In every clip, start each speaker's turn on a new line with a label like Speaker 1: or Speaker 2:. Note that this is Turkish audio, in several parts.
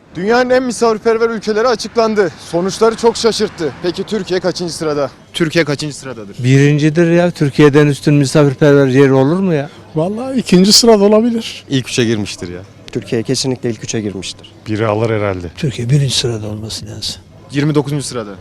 Speaker 1: Dünyanın en misafirperver ülkeleri açıklandı. Sonuçları çok şaşırttı. Peki Türkiye kaçıncı sırada? Türkiye kaçıncı sıradadır?
Speaker 2: Birincidir ya. Türkiye'den üstün misafirperver yeri olur mu ya?
Speaker 3: Vallahi ikinci sırada olabilir.
Speaker 4: İlk üçe girmiştir ya.
Speaker 5: Türkiye kesinlikle ilk üçe girmiştir.
Speaker 6: Biri alır herhalde.
Speaker 7: Türkiye birinci sırada olması lazım.
Speaker 1: 29. sırada.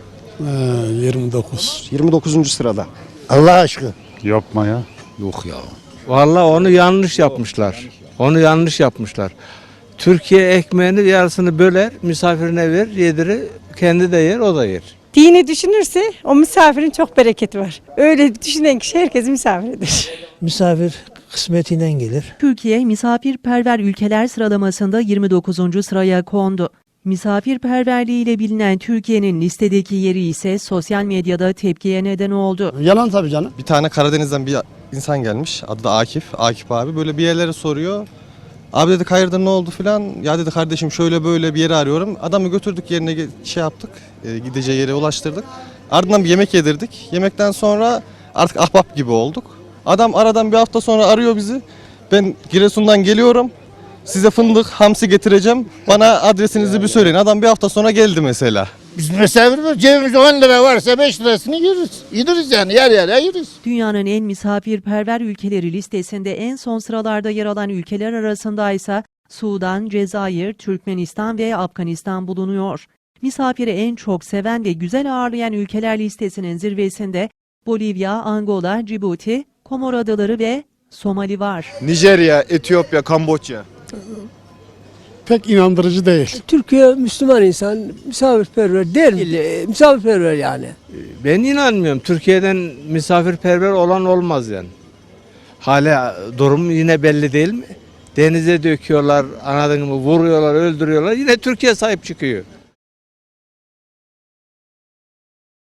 Speaker 3: 29.
Speaker 5: 29. sırada.
Speaker 7: Allah aşkına.
Speaker 6: Yapma ya.
Speaker 7: Yok ya.
Speaker 2: Vallahi onu yanlış yapmışlar. Onu yanlış yapmışlar. Türkiye ekmeğini yarısını böler, misafirine ver, yedirir, kendi de yer, o da yer.
Speaker 8: Dini düşünürse o misafirin çok bereketi var. Öyle düşünen kişi herkesin misafiridir.
Speaker 7: Misafir kısmetinden gelir.
Speaker 9: Türkiye misafirperver ülkeler sıralamasında 29. sıraya kondu. Misafirperverliğiyle bilinen Türkiye'nin listedeki yeri ise sosyal medyada tepkiye neden oldu.
Speaker 7: Yalan tabii canım.
Speaker 4: Bir tane Karadeniz'den bir insan gelmiş. Adı da Akif. Akif abi böyle bir yerlere soruyor. Abi dedik hayırdır ne oldu filan. Ya dedi kardeşim şöyle böyle bir yeri arıyorum. Adamı götürdük yerine şey yaptık. Gideceği yere ulaştırdık. Ardından bir yemek yedirdik. Yemekten sonra artık ahbap gibi olduk. Adam aradan bir hafta sonra arıyor bizi. Ben Giresun'dan geliyorum. Size fındık, hamsi getireceğim. Bana adresinizi bir söyleyin. Adam bir hafta sonra geldi mesela.
Speaker 7: Biz misafir cebimizde 10 lira varsa 5 lirasını yeriz. Yediriz yani yer yeriz.
Speaker 9: Dünyanın en misafirperver ülkeleri listesinde en son sıralarda yer alan ülkeler arasında ise Sudan, Cezayir, Türkmenistan ve Afganistan bulunuyor. Misafiri en çok seven ve güzel ağırlayan ülkeler listesinin zirvesinde Bolivya, Angola, Cibuti, Komor Adaları ve Somali var.
Speaker 1: Nijerya, Etiyopya, Kamboçya.
Speaker 3: Pek inandırıcı değil.
Speaker 10: Türkiye Müslüman insan, misafirperver değil, misafirperver yani.
Speaker 2: Ben inanmıyorum. Türkiye'den misafirperver olan olmaz yani. Hala durum yine belli değil mi? Denize döküyorlar, anladın mı? Vuruyorlar, öldürüyorlar. Yine Türkiye sahip çıkıyor.